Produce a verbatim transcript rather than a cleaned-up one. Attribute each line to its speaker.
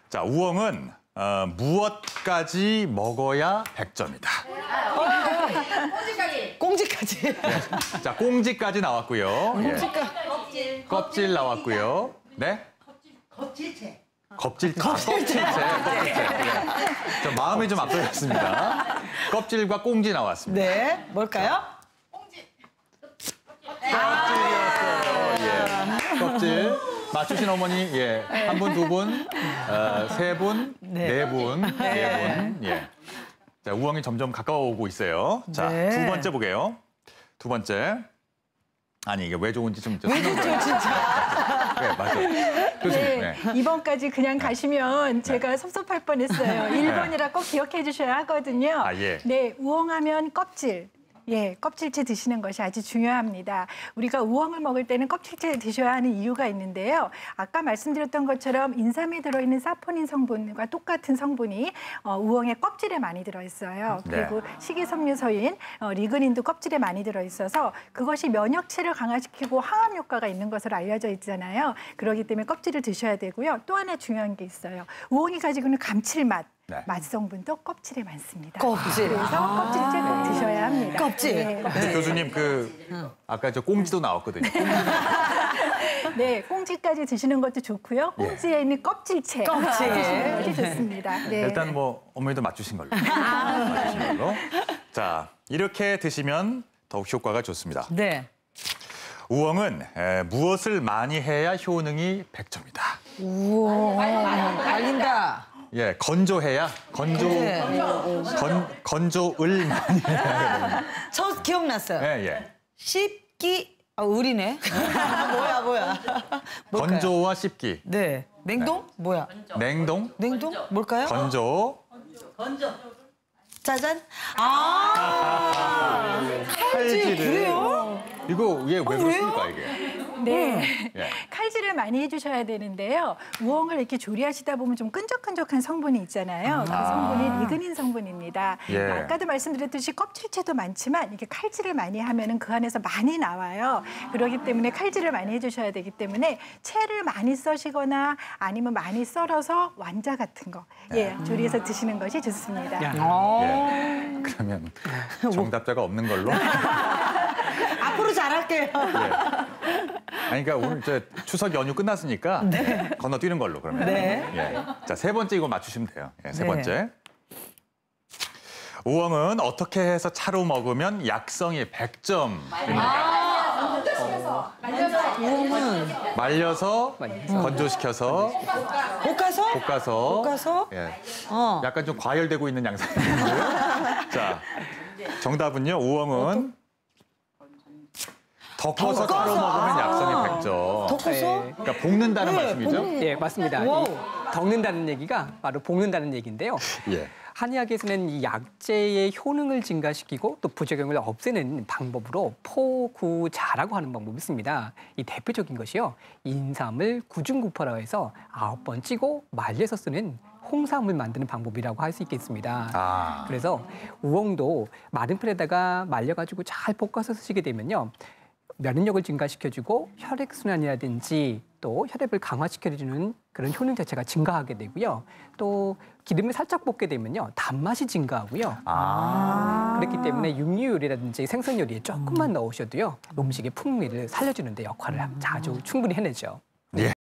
Speaker 1: 자, 우엉은 어, 무엇까지 먹어야 백 점이다.
Speaker 2: 꽁지까지.
Speaker 3: 꽁지까지.
Speaker 1: 네. 자, 꽁지까지 나왔고요.
Speaker 3: 꽁지까지.
Speaker 2: 껍질.
Speaker 1: 껍질 나왔고요. 네?
Speaker 2: 껍질채.
Speaker 1: 껍질채. 껍질채. 껍질채. 네. 저 마음이 좀 앞서갔습니다. 껍질과 꽁지 나왔습니다.
Speaker 3: 네, 뭘까요?
Speaker 2: 꽁지.
Speaker 1: 껍질이었어요. 예. 껍질. 맞추신 어머니, 예. 한 분, 두 분, 어, 세 분,
Speaker 3: 네.
Speaker 1: 네 분, 네 분. 예. 자, 우엉이 점점 가까워오고 있어요. 자,
Speaker 3: 네.
Speaker 1: 두 번째 보게요. 두 번째. 아니, 이게 왜 좋은지 좀.
Speaker 3: 왜 좋죠, 진짜?
Speaker 1: 네, 맞아요. 교수님.
Speaker 4: 네,
Speaker 1: 네.
Speaker 4: 이 번까지 그냥 가시면 제가 섭섭할 뻔했어요. 일 번이라 꼭 기억해 주셔야 하거든요.
Speaker 1: 아, 예.
Speaker 4: 네, 우엉하면 껍질. 예, 껍질째 드시는 것이 아주 중요합니다. 우리가 우엉을 먹을 때는 껍질째 드셔야 하는 이유가 있는데요. 아까 말씀드렸던 것처럼 인삼에 들어있는 사포닌 성분과 똑같은 성분이 어, 우엉의 껍질에 많이 들어있어요. 그리고
Speaker 1: 네.
Speaker 4: 식이섬유소인 어, 리그닌도 껍질에 많이 들어있어서 그것이 면역체를 강화시키고 항암 효과가 있는 것으로 알려져 있잖아요. 그렇기 때문에 껍질을 드셔야 되고요. 또 하나 중요한 게 있어요. 우엉이 가지고 있는 감칠맛.
Speaker 1: 네.
Speaker 4: 맛 성분도 껍질에 많습니다.
Speaker 3: 껍질.
Speaker 4: 그래서
Speaker 3: 아.
Speaker 4: 껍질째 꼭 드셔야 합니다.
Speaker 3: 껍질.
Speaker 4: 네.
Speaker 1: 근데 교수님, 그, 아까 저 꽁지도 나왔거든요.
Speaker 4: 네, 꽁지까지 드시는 것도 좋고요. 꽁지에 있는 껍질채
Speaker 3: 껍질.
Speaker 4: 드시는 것이 좋습니다. 네.
Speaker 1: 일단 뭐 어머니도 맞추신 걸로. 맞추신 걸로. 자, 이렇게 드시면 더욱 효과가 좋습니다.
Speaker 3: 네.
Speaker 1: 우엉은 에, 무엇을 많이 해야 효능이 백 점이다.
Speaker 3: 우와. 달린다.
Speaker 1: 예, 건조해야 건조
Speaker 3: 네.
Speaker 1: 건 건조을 많이 해야
Speaker 3: 저 기억났어요.
Speaker 1: 예, 예.
Speaker 3: 씹기. 아, 을이네. 뭐야, 뭐야. 뭘까요?
Speaker 1: 건조와 씹기.
Speaker 3: 네. 냉동? 뭐야?
Speaker 1: 냉동,
Speaker 3: 냉동? 뭘까요?
Speaker 1: 건조,
Speaker 2: 건져.
Speaker 3: 짜잔. 아.
Speaker 1: 칼질을.
Speaker 3: 그래요?
Speaker 1: 이거 이게 왜
Speaker 3: 왜요?
Speaker 1: 그렇습니까, 이게?
Speaker 4: 네.
Speaker 1: 예.
Speaker 4: 칼질을 많이 해주셔야 되는데요. 우엉을 이렇게 조리하시다 보면 좀 끈적끈적한 성분이 있잖아요. 그 성분이 리그닌 성분입니다.
Speaker 1: 예.
Speaker 4: 아까도 말씀드렸듯이 껍질채도 많지만 이게 칼질을 많이 하면은 그 안에서 많이 나와요. 그렇기 때문에 칼질을 많이 해주셔야 되기 때문에 채를 많이 써시거나 아니면 많이 썰어서 완자 같은 거 예, 조리해서 드시는 것이 좋습니다.
Speaker 1: 예. 그러면 정답자가 없는 걸로.
Speaker 3: 앞으로 잘할게요.
Speaker 1: 예. 아니, 그러니까 오늘 저 추석 연휴 끝났으니까 건너뛰는 걸로 그러면.
Speaker 3: 네.
Speaker 1: 예. 자, 세 번째 이거 맞추시면 돼요. 예, 세
Speaker 3: 네.
Speaker 1: 번째. 우엉은 어떻게 해서 차로 먹으면 약성이 백 점입니까?
Speaker 3: 우엉은
Speaker 1: 말려서, 건조시켜서,
Speaker 3: 볶아서?
Speaker 1: 볶아서.
Speaker 3: 볶아서?
Speaker 1: 예.
Speaker 3: 어.
Speaker 1: 약간 좀 과열되고 있는 양상인데요. 자, 정답은요. 우엉은 덮어서 차로
Speaker 3: 덮어서.
Speaker 1: 먹으면 약성이
Speaker 3: 아.
Speaker 1: 백 점.
Speaker 3: 덮어서?
Speaker 5: 네.
Speaker 1: 그러니까 볶는다는
Speaker 3: 네,
Speaker 1: 말씀이죠?
Speaker 3: 볶는-
Speaker 5: 예, 맞습니다.
Speaker 3: 와우.
Speaker 5: 이 덮는다는 얘기가 바로 볶는다는 얘기인데요.
Speaker 1: 예.
Speaker 5: 한의학에서는 이 약재의 효능을 증가시키고 또 부작용을 없애는 방법으로 포구자라고 하는 방법이 있습니다. 이 대표적인 것이요. 인삼을 구중구포라고 해서 아홉 번 찌고 말려서 쓰는 홍삼을 만드는 방법이라고 할 수 있겠습니다.
Speaker 1: 아.
Speaker 5: 그래서 우엉도 마른 풀에다가 말려가지고 잘 볶아서 쓰시게 되면요. 면역력을 증가시켜주고 혈액순환이라든지 또 혈액을 강화시켜주는 그런 효능 자체가 증가하게 되고요. 또 기름을 살짝 볶게 되면요. 단맛이 증가하고요.
Speaker 1: 아.
Speaker 5: 그렇기 때문에 육류 요리라든지 생선 요리에 조금만 넣으셔도요. 음식의 풍미를 살려주는 데 역할을 아주 충분히 해내죠.